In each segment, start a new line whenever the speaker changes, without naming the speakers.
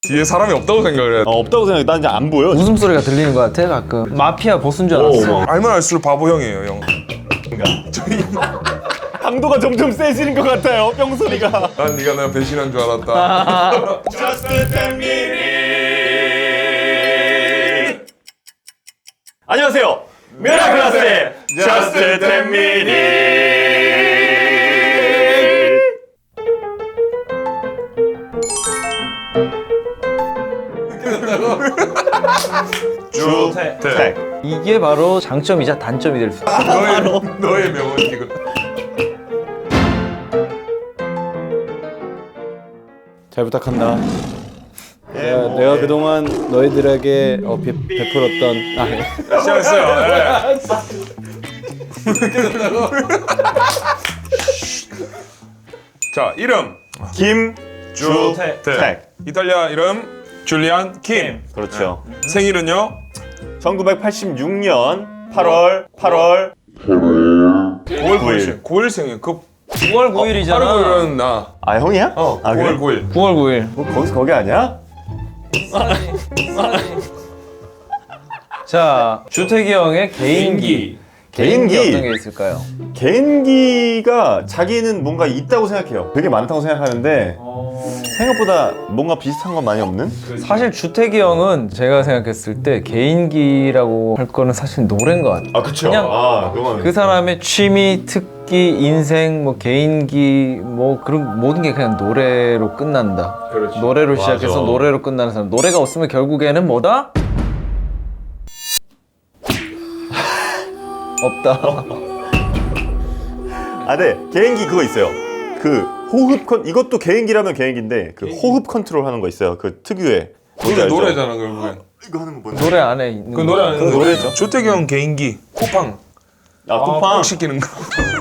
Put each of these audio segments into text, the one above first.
뒤에 사람이 없다고 생각을 해.
없다고 생각해. 난 이제 안 보여.
웃음소리가 들리는 것 같아 가끔. 마피아 보스인 줄 알았어.
알면 알수록 바보 형이에요, 형.
강도가 점점 세지는 것 같아요. 뿅소리가.
난 네가 나 배신한 줄 알았다.
Just 10 minutes. 안녕하세요. 미라클라스의 Just 10 minutes. 주택.
이게 바로 장점이자 단점이 될 수 있어.
너의 명언 지금.
잘 부탁한다. 내가 그동안 너희들에게 베풀었던
시작했어요. 자, 이름
김주택.
이탈리아 이름 줄리안 킴.
그렇죠.
생일은요?
1986년 8월
9월 9일. 9일 생일. 그
9월 9일이잖아.
8월 9일은 나.
아 형이야? 아,
9월 9일.
9월 9일.
거기서 거기 아니야?
자, 주택이 형의 개인기.
개인기?
어떤 게 있을까요?
개인기가 자기는 뭔가 있다고 생각해요. 되게 많다고 생각하는데 생각보다 뭔가 비슷한 건 많이 없는?
사실 주택이 형은 제가 생각했을 때 개인기라고 할 거는 사실 노래인 것 같아요.
아 그쵸.
그냥
그건
그 사람의 취미, 특기, 인생, 뭐 개인기, 뭐 그런 모든 게 그냥 노래로 끝난다.
그렇지.
노래로
맞아.
시작해서 노래로 끝나는 사람. 노래가 없으면 결국에는 뭐다? 없다.
네. 개인기 그거 있어요. 그 호흡 이것도 개인기라면 개인기인데 그 호흡 컨트롤 하는 거 있어요. 그 특유의.
그게 노래잖아, 결국엔.
이거 하는 거 뭔지.
노래 안에 있는
그 노래 아니는
노래죠.
주택이 형 개인기. 쿠팡.
쿠팡.
시키는 거.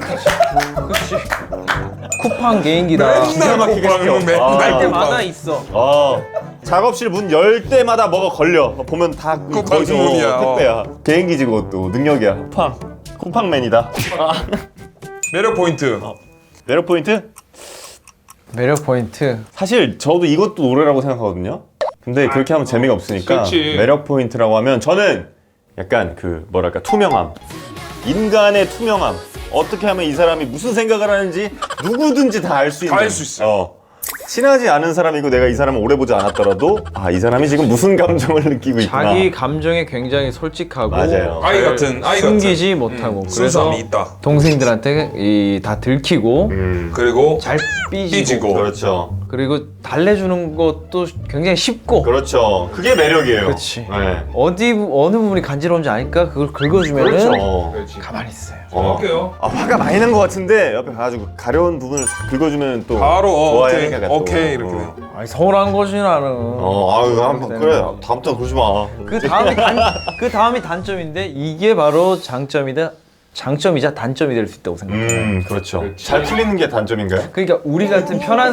쿠팡 개인기다.
기가 막히게 시켜.
맨날
할 때마다
쿠팡.
있어.
작업실 문 열 때마다 뭐가 걸려. 보면 다
쿠팡 주문이야.
택배야. 개인기지 그것도 능력이야. 쿠팡맨이다.
매력 포인트.
매력 포인트?
매력 포인트.
사실 저도 이것도 노래라고 생각하거든요. 근데 그렇게 하면 재미가 없으니까
그렇지.
매력 포인트라고 하면 저는 약간 그 뭐랄까 투명함. 인간의 투명함. 어떻게 하면 이 사람이 무슨 생각을 하는지 누구든지 다 알 수 있는.
다 알 수 있어요.
친하지 않은 사람이고 내가 이 사람을 오래 보지 않았더라도 이 사람이 지금 무슨 감정을 느끼고 있구나.
자기 감정에 굉장히 솔직하고
맞아요.
아이 같은, 아이
숨기지 못하고 그래서
순수함이 있다.
동생들한테 다 들키고
그리고
잘 삐지고,
삐지고.
그렇죠.
그리고 달래주는 것도 굉장히 쉽고
그렇죠. 그게 매력이에요.
그렇지.
네.
어느 부분이 간지러운지 아니까 그걸 긁어주면은
그렇죠.
가만히 있어요.
할게요.
화가 많이 난 것 같은데 옆에 가가지고 가려운 부분을 싹 긁어주면 또
바로
좋아하니까
오케이,
또.
오케이 이렇게 돼요.
아니 서운한 거지 나는.
아유 한번 그래 다음부터 그러지 마.
그 다음이 단점인데 이게 바로 장점이자 단점이 될 수 있다고 생각해요.
그렇죠. 잘 풀리는 게 단점인가요?
그러니까 우리 같은 편한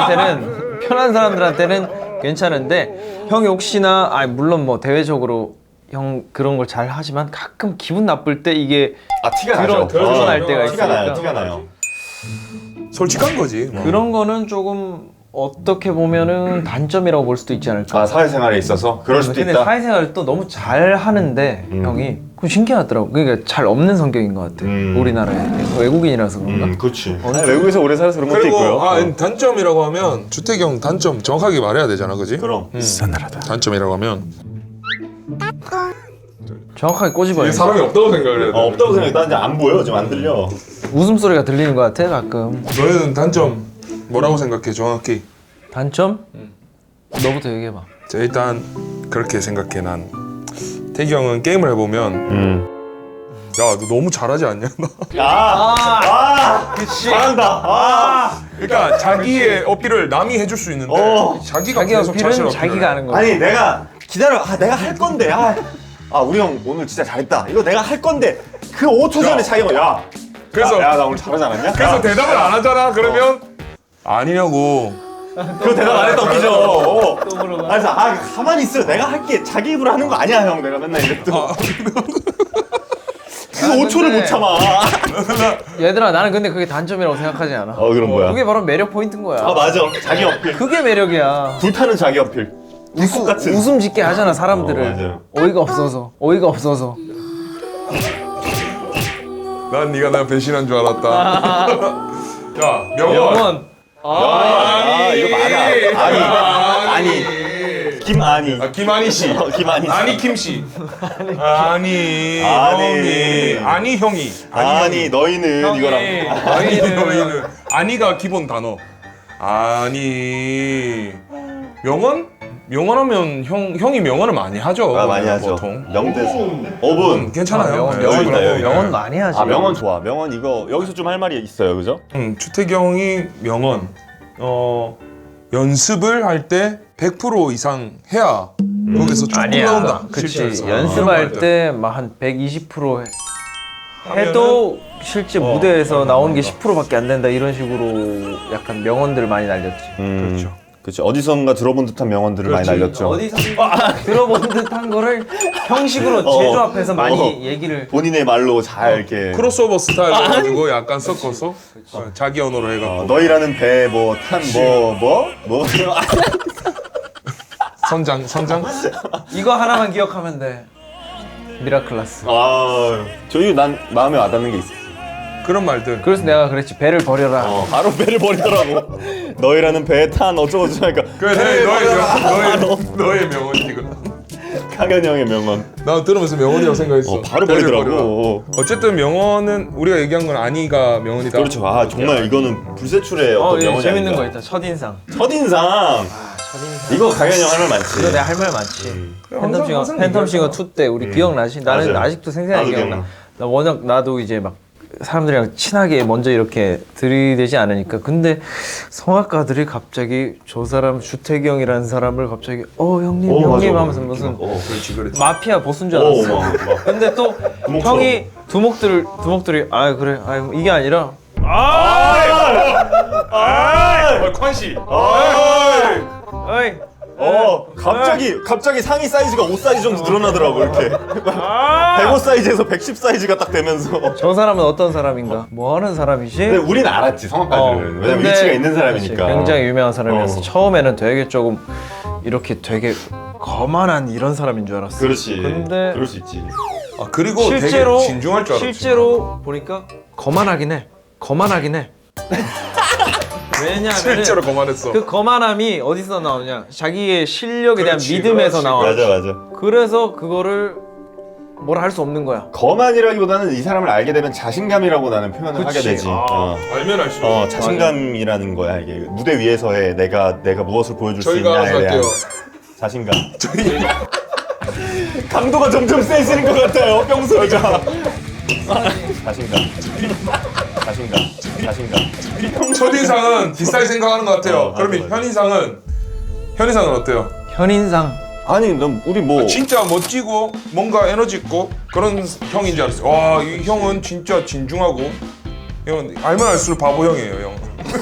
사람들한테는 괜찮은데 형이 혹시나 물론 뭐 대외적으로 형 그런 걸 잘 하지만 가끔 기분 나쁠 때 이게
티가 나죠.
드러날 때가
티가 나요.
있으니까.
티가 나요.
솔직한 거지.
그런 거는 조금 어떻게 보면은 단점이라고 볼 수도 있지 않을까.
사회생활에 있어서 그럴 수도
근데
있다.
사회생활을 또 너무 잘 하는데 형이 그건 신기하더라고. 그러니까 잘 없는 성격인 것 같아. 우리나라에 외국인이라서 그런가.
그렇지. 외국에서 오래 살아서 그런 것도
그리고
있고요.
단점이라고 하면 주택이 형 단점 정확하게 말해야 되잖아, 그지?
그럼.
단점이라고 하면
정확하게 꼬집어요.
사람이 없다고 생각을 해.
없다고 생각해. 난 이제 안 보여. 지금 안 들려.
웃음소리가 들리는 것 같아 가끔.
너희는 단점 뭐라고 생각해, 정확히?
단점? 너부터 얘기해봐.
자, 일단 그렇게 생각해. 난 태기 형은 게임을 해보면 야, 너 너무 잘하지 않냐?
그치.
잘한다.
그러니까 자기의 어필을 남이 해줄 수 있는데 자기가
자기
계속 자신
어필은
어필을
자기가 하는 거야.
아니 내가 기다려. 내가 할 건데. 우리 형 오늘 진짜 잘했다. 이거 내가 할 건데 그 5초 전에 자기가
그래서
나 오늘 잘하지 않았냐?
그래서 대답을 안 하잖아. 그러면 아니냐고.
그거 대답 안 했다 웃기죠. 그래서 가만히 있어. 내가 할게. 자기 입으로 하는 거 아니야 형. 내가 맨날 이랬더. 그 5초를 못 참아.
얘들아 나는 근데 그게 단점이라고 생각하지 않아.
그럼 뭐야?
그게 바로 매력 포인트인 거야.
맞아. 자기 어필.
그게 매력이야.
불타는 자기 어필. 같은.
웃음 짓게 하잖아 사람들을.
맞아요.
어이가 없어서.
난 네가 나 배신한 줄 알았다. 자, 명언.
영원.
이거 맞아. 아니. 김아니.
김아니 씨.
김아니.
아니 김 씨. 아니
아니.
형이. 아니 형이.
아니 너희는
형이.
이거랑.
아니 너희는. 아니가 기본 단어. 아니. 명언? 명언하면 형이 명언을 많이 하죠.
많이 하죠.
보통.
명대사. 5분.
괜찮아요.
명언,
네,
명언
여기까지.
있다, 여기.
명언 많이 하지.
명언 좋아. 명언 이거 여기서 좀 할 말이 있어요, 그죠?
주택이 형이 명언. 연습을 할 때 100% 이상 해야 거기서 조금 나온다.
그치.
실제에서.
연습할 때 막 한 120% 해도 실제 무대에서 나오는 게 10%밖에 안 된다 이런 식으로 약간 명언들을 많이 날렸지.
그렇죠.
그렇죠. 어디선가 들어본 듯한 명언들을 많이 날렸죠.
어디서 들어본 듯한 거를 형식으로 제조합해서 많이 얘기를.
본인의 말로 잘 이렇게.
크로스오버 스타일로 가지고 약간 섞어서 자기 언어로 해갖고
너희라는 배 뭐 탄 뭐
선장
이거 하나만 기억하면 돼. 미라클라스.
저희 난 마음에 와닿는 게 있어.
그런 말들.
그래서 내가 그랬지. 배를 버려라.
바로 배를 버리더라고. 너희라는 배에 탄 어쩌고 저쩌고 하니까.
그래 너의 명언이거든.
강현 형의 명언.
나 들으면서 명언이라고 생각했어.
바로
배를
버리더라고.
버려라. 어쨌든 명언은 우리가 얘기한 건 아니가 명언이다.
그렇죠. 정말 이거는 불세출의 어떤
이거
명언이
재밌는
아닌가.
거 있다. 첫인상.
첫인상. 이거 강현 형 할 말 많지.
이거 내가 할 말 많지.
항상
팬텀싱어 2 때 우리 기억나지? 나는
맞아요.
아직도 생생하게
나도
기억나. 나 워낙 나도 이제 막 사람들이랑 친하게 먼저 이렇게 들이대지 않으니까. 근데 성악가들이 갑자기 저 사람 주택이 형이라는 사람을 갑자기 형님 형님
맞아.
하면서 무슨
그렇지.
마피아 보스인 줄 알았어.
막.
근데 또
두목처럼.
형이 두목들이 그래 이게 아니라
콴씨.
어이
갑자기 상의 사이즈가 5 사이즈 정도 늘어나더라고 이렇게. 105 사이즈에서 110 사이즈가 딱 되면서.
저 사람은 어떤 사람인가? 뭐 하는 사람이지?
근데 우린 알았지 성악가들은. 왜냐면
근데
위치가 있는 사람이니까.
그치, 굉장히 유명한 사람이었어.
어.
처음에는 되게 조금 이렇게 되게 거만한 이런 사람인 줄 알았어.
그렇지.
근데
그럴 수 있지.
그리고
실제로
되게 진중할 줄 알았지.
실제로 보니까 거만하긴 해. 왜냐하면
실제로 거만했어.
그 거만함이 어디서 나오냐? 자기의 실력에 대한
그렇지,
믿음에서
그렇지.
나와.
맞아.
그래서 그거를 뭐라 할 수 없는 거야.
거만이라기보다는 이 사람을 알게 되면 자신감이라고 나는 표현을 하게
그치.
되지.
알면 알수록.
자신감이라는 거야 이게. 무대 위에서의 내가 무엇을 보여줄 수
저희가 알아서
있냐에 대한
할게요.
자신감. 강도가 점점 세지는 것 같아요. 뿅소리가. 자신감.
첫인상은 비싸게 생각하는 것 같아요. 그러면
맞아.
현인상은 어때요?
현인상.
아니 넌 우리 뭐
진짜 멋지고 뭔가 에너지 있고 그런 형인 줄 알았어요. 와, 이 형은 진짜 진중하고 형은 알면 알수록 바보 형이에요, 형.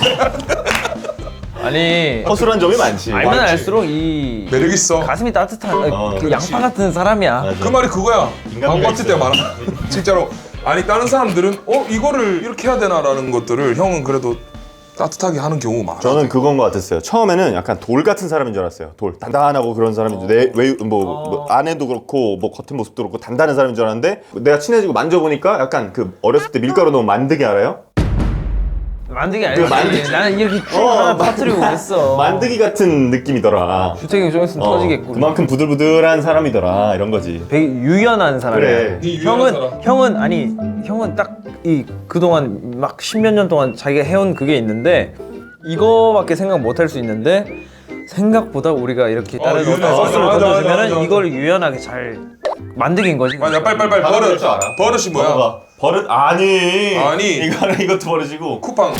아니
허술한 점이 많지.
알면
많지.
알수록 이
매력 있어.
가슴이 따뜻한 그
그렇지.
양파 같은 사람이야.
맞아.
그 말이 그거야.
인간미가
광고 같을 때
있어요.
많아. 진짜로. 아니 다른 사람들은 이거를 이렇게 해야 되나라는 것들을 형은 그래도 따뜻하게 하는 경우가 많아.
저는 그건 것 같았어요. 처음에는 약간 돌 같은 사람인 줄 알았어요. 돌 단단하고 그런 사람인데 뭐 안에도 그렇고 뭐 겉은 모습도 그렇고 단단한 사람인 줄 알았는데 내가 친해지고 만져보니까 약간 그 어렸을 때 밀가루 넣은 만드기 알아요?
만들기 알지. 나는 이렇게 쭉 하나 터뜨리고 그랬어.
만드기 같은 느낌이더라.
주택이 좀 있으면 터지겠고.
그만큼 부들부들한 사람이더라 이런 거지.
되게 유연한 사람이야.
그래.
이 유연한 사람.
형은 딱 이 그동안 막 10몇 년 동안 자기가 해온 그게 있는데 이거밖에 생각 못 할 수 있는데 생각보다 우리가 이렇게 다른 어떤
유연해.
서스를
맞아,
던져주면은
맞아.
이걸 유연하게 잘 만들긴 거지.
맞아, 빨리
받아볼
버릇.
줄 알아.
버릇이 뭐야?
봐봐. 버릇 아니.
아니.
이것도 버릇이고.
쿠팡.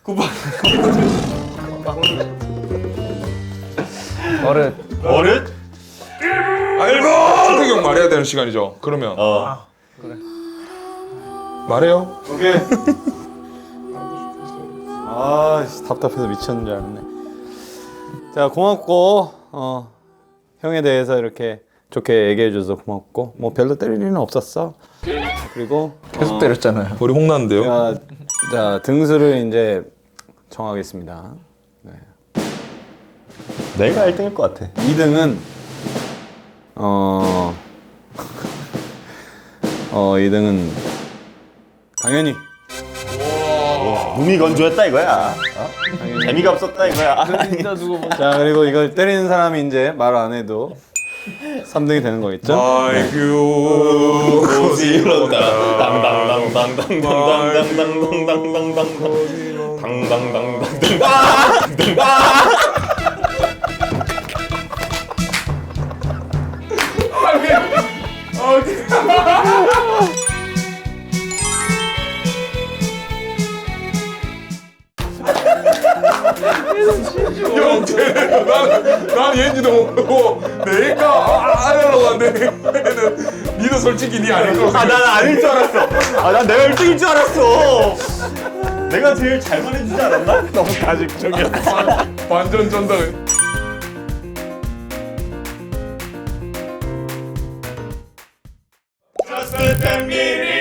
버릇.
버릇?
알고. 주택형 말해야 되는 시간이죠. 그러면
그래.
말해요.
오케이.
답답해서 미쳤는 줄 알았네. 자, 고맙고 형에 대해서 이렇게 좋게 얘기해줘서 고맙고 뭐 별로 때릴 일은 없었어. 그리고
계속 때렸잖아요.
머리 홍나는데요.
자 등수를 이제 정하겠습니다. 네.
내가 1등일 것 같아.
2등은 2등은 당연히
몸이 건조했다 이거야. 재미가 없었다 이거야.
진짜 두고 보자.
자 그리고 이걸 때리는 사람이 이제 말 안 해도 3등이 되는 거겠죠?
아이고
고시로다.
형 쟤는 난 얘인지도 모르고 내가 하려고 하는데 얘는 니도 솔직히 니 아닐 거라고
난 아닐 줄 알았어. 난 내가 1등일 줄 알았어. 내가 제일 잘 말해주지 않았나?
너무 가식적이야.
완전 전달.
Just a 10 minutes.